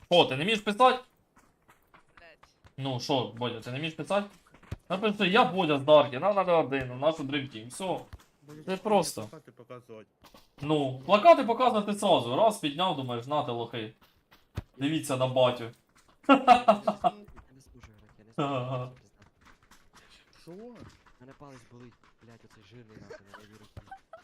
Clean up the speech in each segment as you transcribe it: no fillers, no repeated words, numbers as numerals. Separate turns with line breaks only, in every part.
О, ти не вмієш писати?
Блять.
Ну що, Бодя, ти не вмієш писати? Напиши, я Бодя з Дарки, нам надо один, у нашу Dream Team, все. Це просто.
Плакати показувати.
Ну, плакати показувати сразу. Раз підняв, думаєш, нате лохи. Дивіться на батю.
Я не служу грати, я не
Ага.
служу, пізда.
Що?
Мене палець болить, блядь, оцей жирний нахуй на лівій руці.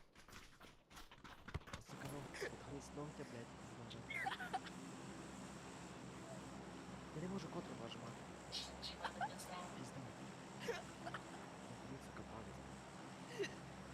Сука, ну, з ногтя, блядь, пізда. Я не можу контру нажимати. Пізда. Болить, сука, палець.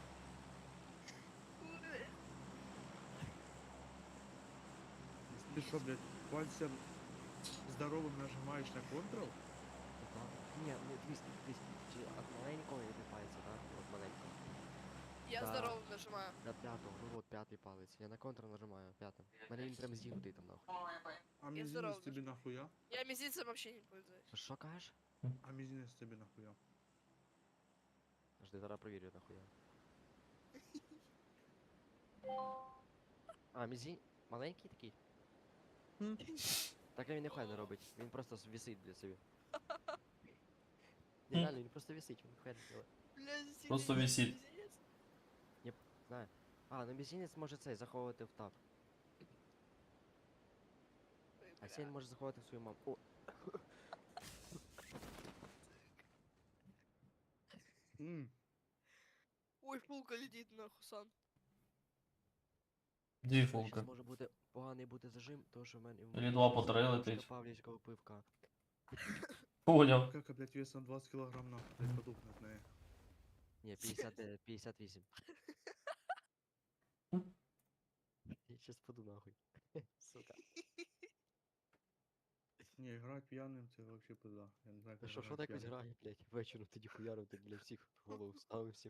Ти що, блядь, пальцем здоровим нажимаєш на Ctrl?
Да. Ні, ну дивись, чи от маленького я пальця, да? От маленького.
Я
Да.
здорово нажимаю.
До п'ятого, ну от п'ятий палець. Я на контр нажимаю п'ятим. У мене він прям зігнутий там нахуй.
А
Я
мізинець
здоровий.
тобі нахуя?
Я мизинцем вообще не пользуюсь.
Що кажеш?
А мізинець тобі нахуя?
Жди, зараз провірю нахуя. А, мізінь? Маленький такий? Так він ніхуя не робить. Він просто висить для собі. Ні, реально, він просто висить, він ніхуя не робить.
Блядь,
Просто
мизинец,
висит.
мизинец.
Знаю. А, ну мізинець може цей заховувати в тап.
Ой,
А
бля.
сін може заховати в свою маму. О,
Ой, пулка летит нахуй, сан.
Дві фулки.
щас може бути поганий бути зажим, тому що в мене...
Или два по три летить.
Павлівського пивка.
Поняв.
Кака, блядь, весом 20 килограмм нахуй, блядь, подухне в неї.
Ні, 58. Я щас паду нахуй. Сука.
Не, грати п'яним це вообще пизда. Я не знаю,
Та
як
що
грати
так ось
п'яним.
грає, блядь, вечором тоді хуярив, так, блядь, всіх в голову вставив всім.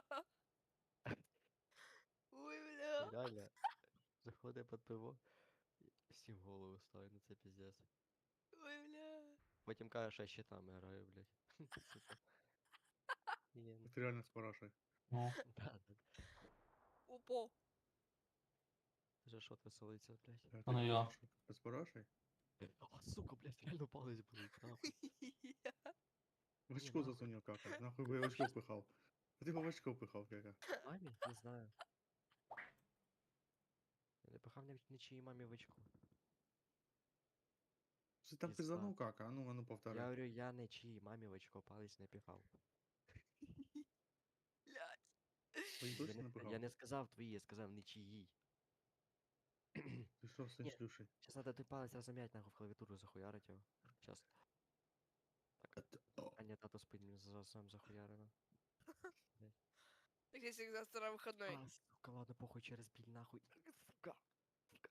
Ой, бля.
Реально. Заходить під пиво, і всім в голову ставить, ну це піздець.
Ой, бля.
Потім каже, що я щитами граю, блядь. Сука. Ні, ну,
Ти реально з парашей.
Ну.
да.
Опа.
Вже шот веселиться, блядь.
Ти
А ну я.
З парашей?
А, сука, блядь, реально палець болить, нахуй.
В очко
нахуй.
засунув кака. Нахуй би я в очко пихав. А ти в очко пихав, кака.
Мамі? Не знаю. Я не пихав нічиїй мамі в очку.
Ти там
Пізда.
пизданув кака, а ну
Я
повторяй.
говорю, я нічиїй мамі в очко палець не пихав.
Блядь.
Твої
Я
точно
не,
не пихав?
я не сказав твої, я сказав нічиїй.
Ти що, син
Ні.
шлюший?
Сейчас надо той палець розім'ять, нахуй в клавіатуру захуярить його. Сейчас. А ні, тато спить, мені сам захуярено.
Так я всегда второй выходной.
А, сука, ладно, похуй, через біль, нахуй. Сука. Сука.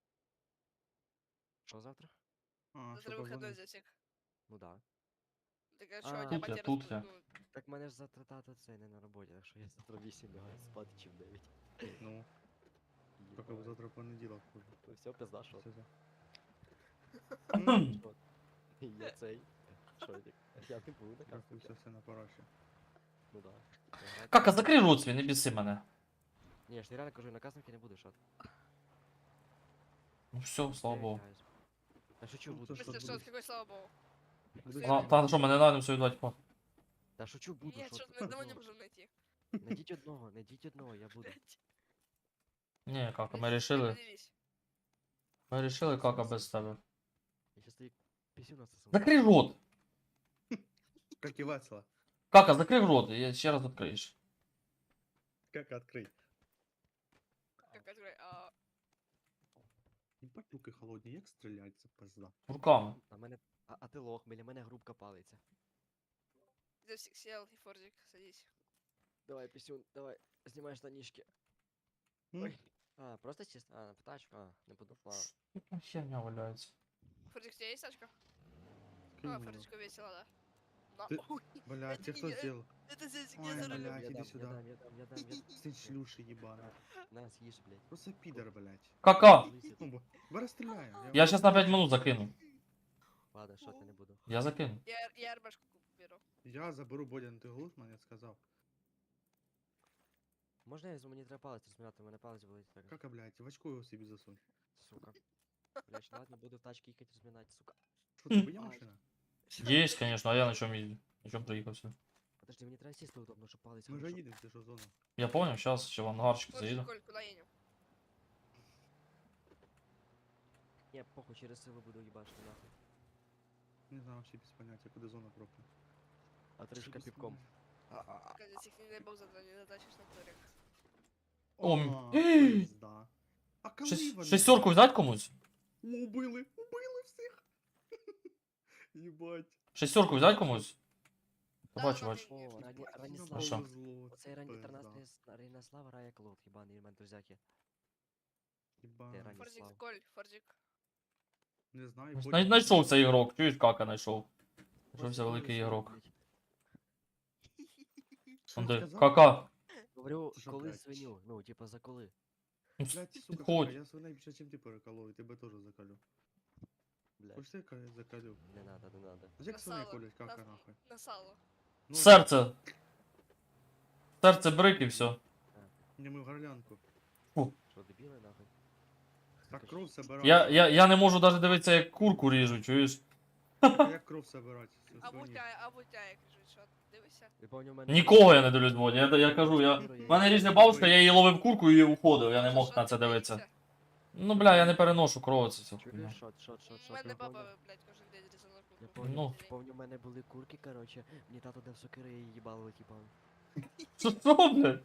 Що завтра?
А,
Завтра
що
выходной
позвонив?
за всех.
Ну да.
Так а что,
А,
у тебя
тут я,
батя
тут я.
ну,
Так мене ж завтра тато цей не на роботі, так що я завтра 8 лягаю спати чи в 9.
Ну, тільки б завтра понеділок.
Ну все, пизда, що?
Все за.
Що? Я цей. Що я? Я не буду на
Рахуйся
кастинг.
все на параші.
Ну да.
Кака, закрий рот свій, не біси мене.
Ні, я ж реально кажу, на кастингі не буду, що?
Ну все, слава Богу.
Та шучу
Ну,
буду.
це
в смысле,
Что
что,
будешь?
какой слава богу?
Будеш
А, та що, мене найдемо сьогодні дати по.
Та шучу буду,
Нет,
що
что
ти?
мы одного не можем найти.
Найдіть одного, я буду.
Блядь.
Ні, кака, ми
Подожди,
рішили.
поделись.
Ми рішили, кака без тебе.
Я щас тобі пісю насосу.
Закрий рот!
Как и весело.
Кака, закрий рот, і ще раз відкриєш.
Как открыть?
Как открой? А,
Ебать руки холодні, як стрілять, це пизда.
Руками.
А мене. А ти лох, біля мене грубка палиться.
здесь сел и Фордик, садись.
Давай, пісюн, давай, знімай штанішки.
М?
Ой. А, просто чисто? А, в тачку? А, не буду. Ладно.
Яка херня валяється.
Фордик, у тебя есть тачка?
Кинь
А,
его.
Фордичку весело, да. На.
Ты-
Ой,
Блядь,
это
ты кто
не я.
сделал?
Это здесь
Ой,
я за рулем.
блядь. иди сюда.
Я дам.
Сын шлюши ебаный.
На, съешь, блядь.
Просто пидор, блядь.
Кака!
Лысый.
Ну, расстреляем.
Я сейчас на 5 минут закину.
Ладно, що ти не буду.
Я закину.
Я РБшку беру.
Я заберу Бодя, ти глушман, я сказав.
Можна я візьму, мені треба палець розміняти, у мене палець болить так.
Кака, блядь, в очко його собі засунь.
Сука. Блядь, ладно, буду в тачке їхати розминати, сука.
Що, тебе є машина?
Есть, конечно, а я на чем ездил? На чем проехался?
Подожди, мені треба сісти удобно, щоб палець
Ми вже
хорошо.
їдемо, ти що зона.
Я понял, сейчас еще в ангарчик
Форджик,
заеду.
Коль, куда едем?
Ні, похуй, через силу буду їбашити нахуй.
Не знаю, вообще без поняття, куди зона пропа.
А трішка півком.
Казик, не дай бог не затащишь на турик.
О,
О,
м-
пизда. А коли вони?
Шестерку взять комусь?
О, убили всіх. Єбать.
Шестерку взять комусь?
Да,
Бачу,
да,
бачу.
да,
О,
конечно.
Раніслав.
Хорошо.
Повезло,
Оцей
пизда.
13 рає клоут, їбаний імен друзяки.
Єбать.
Ти раніслав.
Форджик, Коль, Форджик.
Не знаю.
Найшовся ігрок, чуєш, кака знайшов. Знайшовся великий ігрок.
Що
Он де,
сказав?
кака.
Говорю,
Це що,
коли
блядь?
свиню, ну, типа за коли.
Блядь, сука,
Підходь.
кака, я свиней більше, чим ти переколов, і тебе теж закалю.
Блядь,
Хочеш ти закалю?
не надо, не надо.
Як
На
свиней
сало.
колять, кака нахуй?
На сало.
Ну,
Серце. Серце брик і все.
Не ми в горлянку.
Що, дебіли нахуй?
Так кров собирать.
Я не можу навіть дивитися, як курку ріжуть, чуєш?
Як кров собирать?
А бутя, як кажуть, що дивися.
Ви помню, в мене...
Нікого я не дивлюсь, Бодя. Я кажу, в мене різна бабушка, я її ловив курку і уходив, я не мог
Що
на це
ти
дивитися.
дивишся?
Ну бля, я не переношу кров, це хуйня.
Чуєш, шот.
У мене
я
баба,
помню.
блядь, кожен день різала
Я
курку.
помню,
Ну.
помню, в мене були курки, короче, мені тато дав сокири і їбало, типа.
Що, блядь?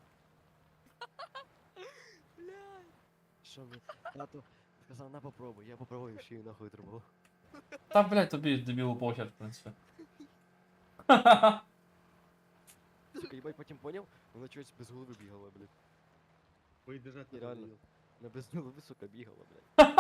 Що мені? Тато сказав, на попробуй, я попробую, ще й нахуй трубав.
Та, блядь, тобі дебілу похер, в принципі.
Сука, їбать, потім поняв, вона чогось без голови бігала, блядь.
Бой біжать не
Реально.
подаю.
Вона без голови, сука, бігала, блядь.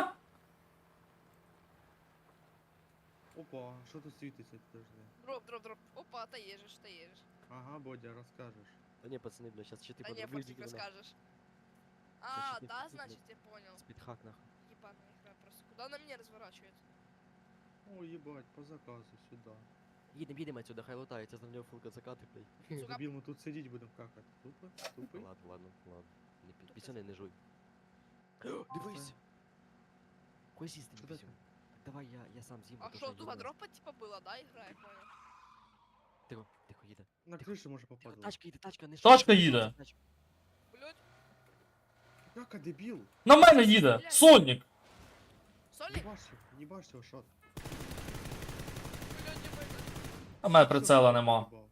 Опа, що тут світиться? Подожди.
Дроп. Опа, та єжиш.
Ага, Бодя, розкажеш.
Та ні, пацани, блядь, щас ще ти
Та не, Форджик, розкажеш. А,
Значит,
да,
не-
значит, я понял.
Спідхак, нахуй.
Ебаная игра просто. Куда она меня разворачивает?
О, їбать, по заказу, сюди.
Їдем отсюда, хай лутається, за нього фулка закати, блядь.
Сука.
Дебіл, ми тут сидіть будемо какати. Тупо? Тупий?
Ладно. Не пісюни не жуй. Дивись! Кой сісти
Що
не
таке?
пісюн? Так давай я сам з'їм.
А
потому
что,
я
два
думаю.
дропа типа было, да, игра, я понял?
Тихо, їде.
На кришу може
Тихо,
попадати.
тачка їде, тачка, не
Тачка
шуміть,
їде.
тачка.
Блять,
Кака, дебіл!
На мене їде! Сонник!
Соли?
Їбаш його, шот.
Блять, ебать.
А в мене прицела нема.
Їбав.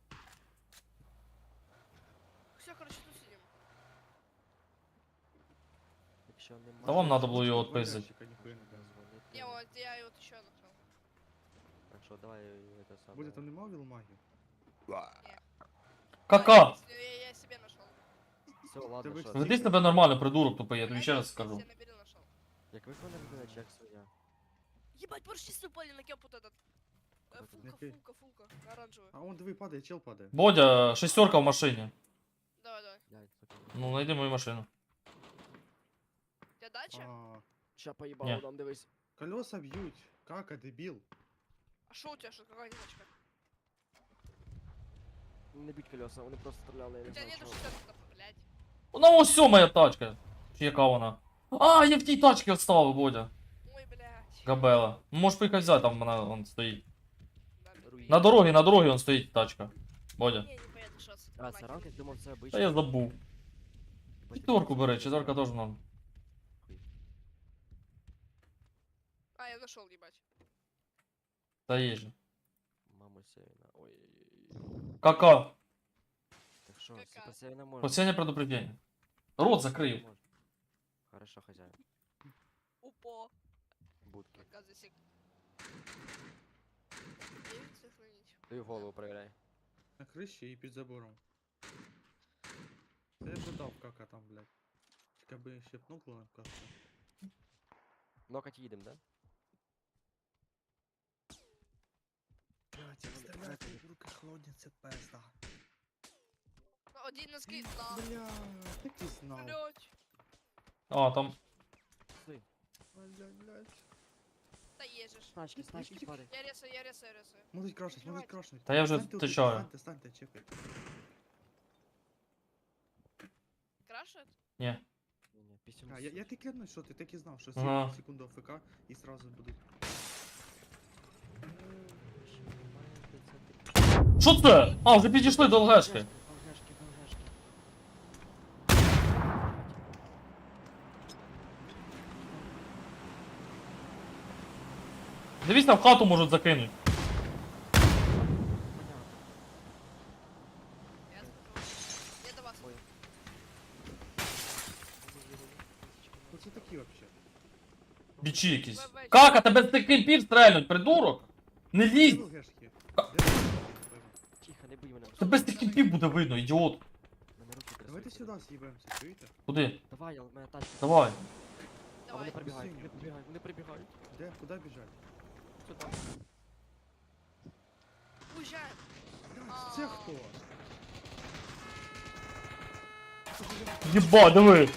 Все, короче, тут сидим.
Якщо нема...
Та вам надо було його
Два
отпиздити.
ящика, ніхуя не кажу.
Не, вот я его вот еще нашел.
Так що, давай это саме...
Бодя, там нема вілмаги?
Кака!
Я себе нашел.
Все, ладно,
Тебе
що?
всі-
Веди себе нормально, придурок тупий, я тобі ще раз скажу.
Я набери нашел.
Як виконав людина, чи як своя?
Ебать, поршисты упали на кемп вот этот.
Какой?
Фулка, оранжевый.
А он диви падає, чел падає.
Бодя, шестерка в машині.
Давай.
Блядь, сука.
Ну, найди мою машину.
У тебя дача?
А,
Ща поїбало
Ні.
нам, дивись.
колеса б'ють. Кака, дебіл.
А шо у тебя, что, какая дачка?
Не біть колеса, вони просто стріляли, я
У
не
тебя
знаю,
нету
чого.
60, блядь.
Вона ось моя тачка. Чи яка вона? А, я в тій тачці відставив, Бодя.
Ой, блядь.
Габела. Ну, можеш поїхати взяти, там вона вон стоїть.
Руїна.
На дорогі вон стоїть тачка. Бодя.
Не поеду, шос.
А, це ранг, я думав, це
Та
обичний.
я забув.
Ебать,
Четверку
я
бери,
просто
четверка теж нам.
А, я нашел, ебать.
Та є же.
Мамо Севіна, ой.
Кака.
Так що,
Кака.
Супер Севіна може?
Последнє предупреждение. Рот закрив.
Може. Хорошо, хозяин.
Упо.
Будки.
Показывай сик. Сохранить.
Ти в голову проверяй.
На криші і під забором. Це я вже дав кака там, блядь. Тільки би ще пнукло нам каска.
Нокать їдем, да?
Блядь,
стріляти,
руки холодні, це пизда.
Ну, один на скид, да.
Блядь, так і знав.
Блять.
А, там.
Блядь.
Да ежешь.
Тачки, тачки, падай.
Я ресаю.
Можуть крашнуть.
Та я вже
Станьте отут,
тичаю.
Станьте, чекайте.
Крашет?
Ні.
Ні, пісюн
А, я ти клянусь, що ти так і знав, що
Ага.
секунду АФК і сразу будуть.
Що це? А, вже підійшли до ЛГшки.
ЛГшки.
Дивись, на в хату можуть закинуть.
Понятно.
Я смотрю. Я до вас.
Ой.
Хто це такі вообще?
Бічі якісь. Кака, тебе з тих кемпів стрельнуть, придурок! Не
Де
лізь!
ЛГшки? Де ЛГшки?
Тихо, не бий мене.
Тебе з тих кемпів буде видно, ідіот.
Мене руки
Давайте
трясуться.
сюди з'їбаємося, чуєте?
Куди?
Давай, у мене тачка.
Давай.
А
Давай.
вони прибігають,
Синю.
вони прибігають, вони прибігають.
Де? Куди біжать?
Сюди.
Уезжаем.
Да, це хто?
Єба, диви.
Пацаны,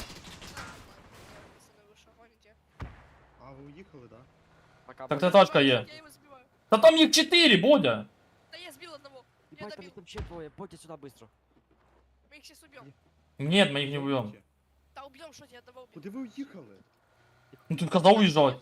вы что, гоните?
А, ви уїхали, да?
Пока.
Так
Бодя.
це тачка є.
Я его сбиваю.
Та там їх 4, Бодя.
Да я сбил одного. Я
Ебать, там
добил.
их там ще двоє. Бодя сюди быстро.
Мы их сейчас убьем.
Ні, ми їх не вб'ємо.
Да убьем, что я одного убил.
Куди ви уїхали?
Ну ти казав уїжджати.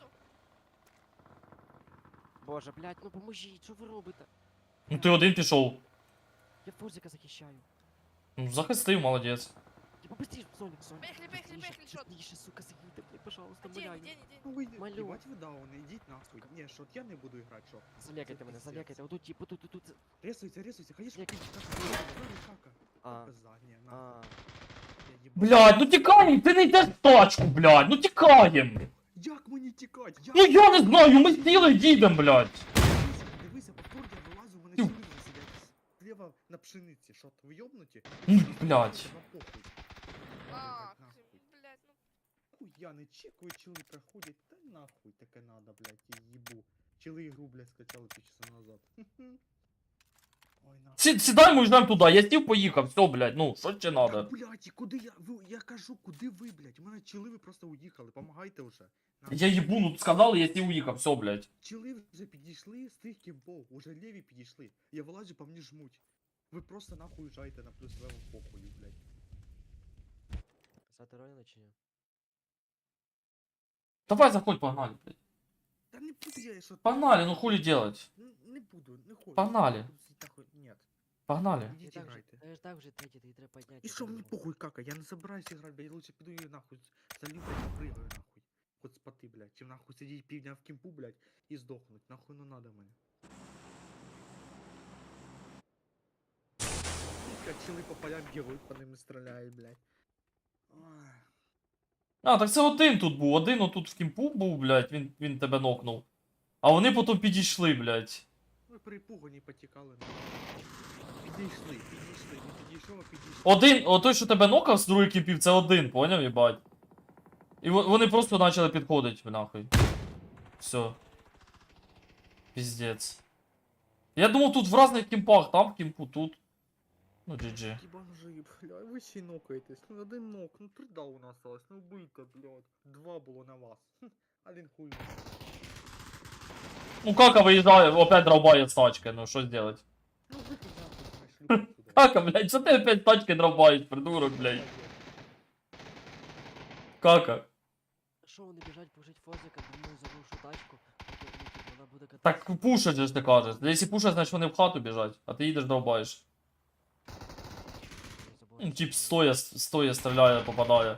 Боже, блядь, ну поможіть, що ви робите?
Ну ти один пішов.
Я Форзика захищаю.
Ну захистив, молодець.
Я побыстрее, Соник, Соник.
Поехали, поехали, поехали, шот.
Быстрее, сука, заїдьте, блядь, пожалуйста,
Где,
умоляю.
где, где?
Ну ви
Малю.
їбать ви дауни, ідіть нахуй. Ні, що я не буду грати, що?
Залякайте мене,
пиздец.
залякайте. Отут, типу, тут.
Ресуйся, ресуйся, ходиш
Як-
кака.
А,
Пизда, ні, на.
а.
Я їбать.
Блядь, ну тікаєм, ти не йдеш в тачку, блядь, ну тікаєм.
Як мені тікать? Як?
Ну я не знаю, ми сіли їдемо, блядь.
Дивися, повтор я вилазю, у мене
Тю.
чоловік сидять зліва на пшениці. Що, ви йобнуті?
Ну, блядь.
Вам похуй.
А,
Нахуй.
блядь, ну.
Хуй, я не чекаю, чили проходять. Та нахуй таке надо, блядь, я їбу. Чили ігру, блядь, скачали півчаса назад. Ой, нахуй.
Сідаємо і ждемо туди, я сів, поїхав, все, блядь, ну, що ще
Та,
надо?
блядь, і куди я? Я кажу, куди ви, блядь? У мене чили ви просто уїхали, помагайте вже. Нахуй.
Я їбу, ну сказали, я сів, уїхав, все, блядь.
Чили вже підійшли з тих кімпов, уже ліві підійшли. Я вилазю, по мені жмуть. Ви просто нахуй уїжджаєте на плюс левел похую, блядь.
Писати Ронина чи ні?
Давай заходь, погнали, блядь.
Та не буду я, що...
Погнали, ну хули делать?
Не буду, не хочу.
Погнали.
Буду сидіти нахуй. Нет.
Погнали.
Ідіть
Так же,
грайте.
та ж так вже третій, ти треба підняти.
І що мені похуй, кака, я не собираюсь играть, блядь, я лучше піду і нахуй залью, блядь, прыгаю нахуй. Хоть спати, блядь, чим нахуй сидіть півдня в кімпу, блядь, і здохнуть, нахуй не надо мені. Блядь, чили по полям бігают, по ним стріляють, блядь. Ой.
А, так це один тут був, один отут в кімпу був, блядь, він тебе нокнув. А вони потім підійшли, блядь.
Ви перепугані потікали, нахуй. Підійшли, не підійшов, а підійшли.
Один, отой, що тебе нокав з другої кімпів, це один, поняв, їбать? І вони просто почали підходити, нахуй. Все. Піздець. Я думав, тут в різних кімпах, там в кімпу, тут. Ну, GG.
Бомжи, бля, ви ще й нокаєтесь. Ну один нок, ну 3 дауна осталось, ну вбийте, блядь. 2 було на вас. Хм, один хуй.
Ну, кака виїжджає, опять дровбає з тачки, ну що зробити?
Ну вийти нахуй, знаєш, люблю сюди.
Кака, блядь, що ти опять тачки дровбаєш, придурок, блядь? Кака.
Що вони біжать пушить Форзика, думаю, зарушу тачку. Поки, ну, типу, вона буде кататися.
Так пушать же ж ти кажеш. Якщо пушать, значить вони в хату біжать, а ти їдеш дровбаєш.
Я забув,
Ну, тип
що
стоя стріляє, попадає.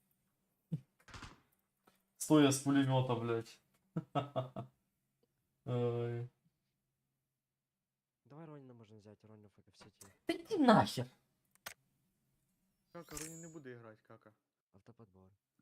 Стоя з пулемета, блядь. Ой.
Давай Ронина можна взяти, Ронина в сеті.
Та йди нахер.
Кака, Роні не буде грати, кака.
Автоподбор.